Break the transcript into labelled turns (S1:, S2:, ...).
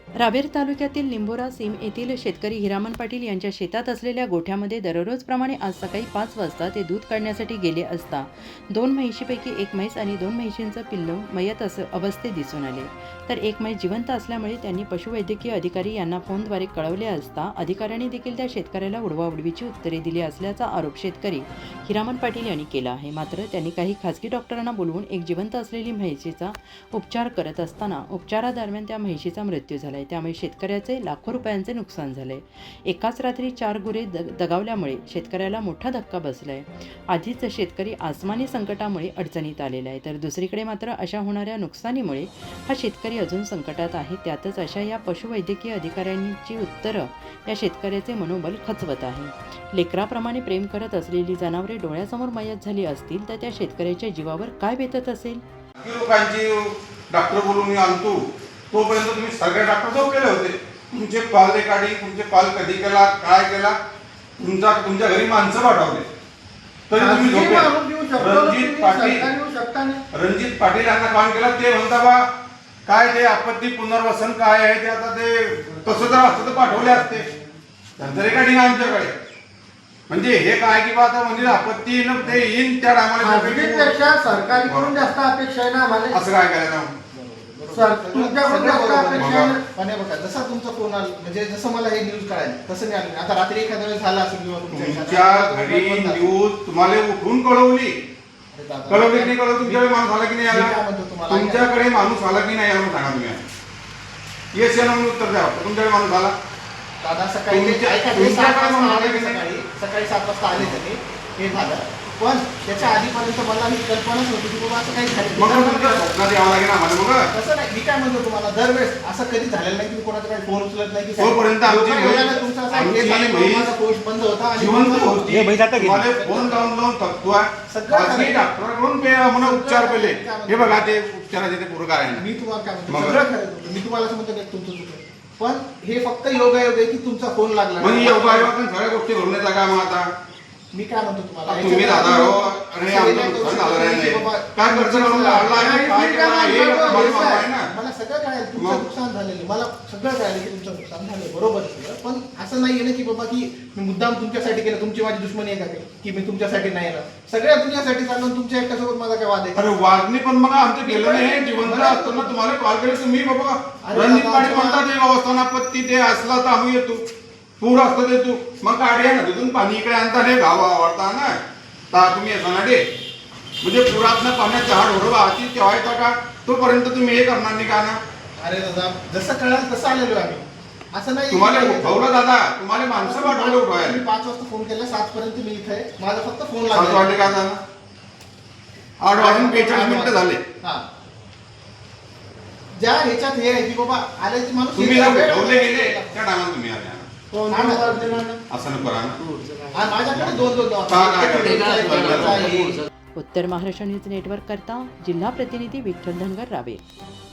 S1: रावेर तालुक्यातील निंभोरा सीम येथील शेतकरी हिरामन पाटील यांच्या शेतात असलेल्या गोठ्यामध्ये दररोजप्रमाणे आज सकाळी 5 वाजता ते दूध काढण्यासाठी गेले असता 2 म्हैशीपैकी एक म्हैस आणि 2 म्हैशींचं पिल्लू मयत अवस्थेत दिसून आले, तर एक म्हैस जिवंत असल्यामुळे त्यांनी पशुवैद्यकीय अधिकारी यांना फोनद्वारे कळवले असता अधिकाऱ्यांनी देखील त्या शेतकऱ्याला उडवाउडवीची उत्तरे दिली असल्याचा आरोप शेतकरी हिरामन पाटील यांनी केला आहे। मात्र त्यांनी काही खासगी डॉक्टरांना बोलवून एक जिवंत असलेली म्हैशीचा उपचार करत असताना उपचारादरम्यान त्या म्हैशीचा मृत्यू झाला। त्यामुळे शेतकऱ्याचे लाखो रुपयांचे नुकसान झाले। एकाच रात्री 4 गुरे दगावल्यामुळे शेतकऱ्याला मोठा धक्का बसलाय। आधीच शेतकरी आसमानी संकटामुळे अडचणीत आलेला आहे, तर दुसरीकडे मात्र अशा होणाऱ्या नुकसानीमुळे हा शेतकरी अजून संकटात आहे। त्यातच अशा या पशुवैद्यकीय अधिकाऱ्यांची उत्तरं या शेतकऱ्याचे मनोबल खचवत आहे। लेकराप्रमाणे प्रेम करत असलेली जनावरे डोळ्यासमोर मयत झाली असतील तर त्या शेतकऱ्याच्या जीवावर काय बेतत असेल।
S2: लोकांची डॉक्टर बोलून आणतो तोपर्यंत तुम्ही सगळे डॉक्टर झोपलेले होते। तुमचे कॉल रेकॉर्डिंग, तुमचे कॉल कधी केला, काय केला, तुमच्या घरी माणसं पाठवले तरी तुम्ही झोपले। रणजित पाटील यांना कॉल केला, ते म्हणता बा काय ते आपत्ती पुनर्वसन काय आहे ते, आता ते तसं जर असतं तर पाठवले असते। त्यांचं रेकॉर्डिंग आमच्याकडे, म्हणजे हे काय की बा आता म्हणजे आपत्ती ते येईन त्या टायमाला
S3: सरकारकडून जास्त अपेक्षा आहे ना आम्हाला।
S2: असं काय करायचं
S3: सर, तुमच्याकडून जास्त अपेक्षा आहे।
S4: पण बघा, जसा तुमचा फोन आला म्हणजे जसं मला हे न्यूज कळाली तसं नाही आलं। आता रात्री एखाद्या वेळेस झाला असेल किंवा
S2: तुमच्या घरी न्यूज तुम्हाला उठून कळवली की नाही कळवली? तुमच्याकडे माणूस आला की नाही आला? तुमच्याकडे माणूस आला की नाही आला सांगा तुम्ही। येस या म्हणून उत्तर द्या। तुमच्याकडे माणूस आला
S4: दादा? सकाळी 7 वाजता आले त्यांनी, हे झालं। पण त्याच्या आधीपर्यंत मला ही कल्पनाच होती की बाबा असं काही झालं।
S2: स्वप्नात यावं लागेल आम्हाला। मग
S4: तसं नाही, मी काय म्हणतो तुम्हाला, दरवेळेस असं कधी झालेलं नाही की कोणाचा काही फोन उचलत नाही की
S2: तोपर्यंत
S4: तुमचा पोस्ट बंद होता आणि
S2: फोन लावून थकतोय सगळं डॉक्टरांकडून म्हणा उपचार केले। हे बघा ते उपचाराचे ते पुरकार आहे।
S4: मी तुम्हाला काय म्हणतो, सगळं खरं मी तुम्हाला म्हणतो की तुमचं चुकलं, पण हे फक्त योगायोग आहे की तुमचा फोन लागला।
S2: म्हणजे योगायोग सगळ्या गोष्टी घडून येतात का? मग आता
S4: मी काय म्हणतो तुम्हाला,
S2: तुम्ही दादा हो आणि आमचं नुकसान झालं नाही, काय खर्च करून काढला आहे, काय केला हे आहे ना?
S4: मला सगळं कळायला तुमचं नुकसान झालेलं, मला सगळं कळायला की तुमचं नुकसान झालं, बरोबर आहे। पण असं नाही ना की बाबा की मी मुद्दाम तुमच्यासाठी केलं, तुमची माझी दुश्मनी आहे का की मी तुमच्यासाठी नाही येणार? सगळ्या दुनियासाठी चाललं, तुमच्या एकट्यासोबत माझा काय वाद आहे?
S2: अरे वाद नाही, पण मग आमचं गेलं नाही। जिवंत असताना तुम्हाला कॉल केले तुम्ही बाबा रणजित पाटील म्हणतात ते अवस्थानापत्ती ते असला तर आम्ही येतो, पूर असतं ते तू मग गाडी आहे ना तिथून पाणी इकडे आणता रे गाव आवडता ना तर तुम्ही येता ना रे, म्हणजे पुरातनं पाण्यात झाड ओढवा आधी तेव्हा येता का? तोपर्यंत तुम्ही हे करणार नाही का ना?
S4: अरे दादा, जसं कळाल तसं आलेलो आम्ही, असं नाही
S2: तुम्हाला उठवलं दादा, तुम्हाला माणसं पाठवलं उठवायला।
S4: मी 5 वाजता फोन केला, 7 पर्यंत मी इथे आहे, माझा फक्त फोन
S2: 7 वाजले का झाला? 8 वाजून 45 मिनिटं झाले।
S4: ज्या ह्याच्यात हे आहे की बाबा आल्याची माणूस
S2: तुम्ही उठवले गेले त्या टायमाला तुम्ही आले असं नको करा ना।
S4: माझ्याकडे 2
S1: उत्तर महाराष्ट्र न्यूज नेटवर्क करता जिल्हा प्रतिनिधी विठ्ठल धनगर, रावेर।